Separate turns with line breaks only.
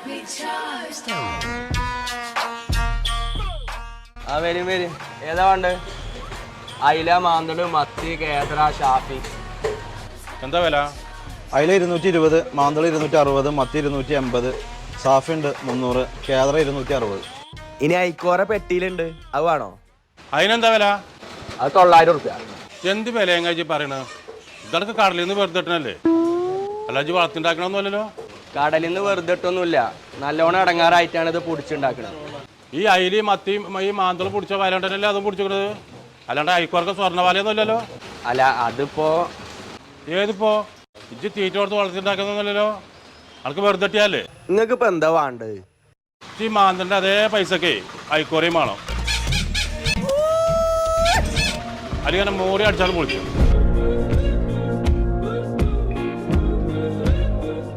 ആ വരും വരും. ഏതാ വേണ്ടത്? അയില, മാന്തള്, മത്തി, കേദ്ര, ഷാഫി.
എന്താ വില?
അയില 220, മാന്തള് 260, മത്തി 280, സാഫി ഉണ്ട് 300, കേദ്ര 260.
ഇനി ഐക്കോറ പെട്ടിയിലുണ്ട്, അത് വേണോ?
അതിനെന്താ വില?
അത് 900 റുപ്യ.
എന്ത് വില എങ്ങാച്ചി പറയണത്? ഇതൊക്കെ കടലിൽ നിന്ന് വെറുതെ ഇട്ടണല്ലേ, അല്ലാജി വളർത്തിണ്ടാക്കണമെന്നല്ലോ.
കടലിൽ നിന്ന് വെറുതെ ഇട്ടൊന്നുമില്ല, നല്ലോണം ഇടങ്ങാറായിട്ടാണ് ഇത് പൊടിച്ചുണ്ടാക്കുന്നത്.
ഈ അയിലി മത്തിയും ഈ മാന്തള് പിടിച്ച വല ഉണ്ടല്ലേ അതും പിടിച്ചിക്കണത്, അല്ലാണ്ട് അയക്കോർക്ക് സ്വർണ്ണ ഇല്ലല്ലോ.
അല്ല അതിപ്പോ
ഏതിപ്പോ ഇജ്ജ് തീറ്റ കൊടുത്ത് വളർത്തിണ്ടാക്കുന്നല്ലോ, അനക്ക് വെറുതെ ഇട്ടിയല്ലേ.
നിങ്ങൾക്ക് ഇപ്പൊ എന്താ വേണ്ടത്?
ഈ മാന്തളിന്റെ അതേ പൈസക്കേ അയക്കോറയും വേണം, അല്ലെങ്കിൽ മോറി അടിച്ചാലും പൊളിക്കും.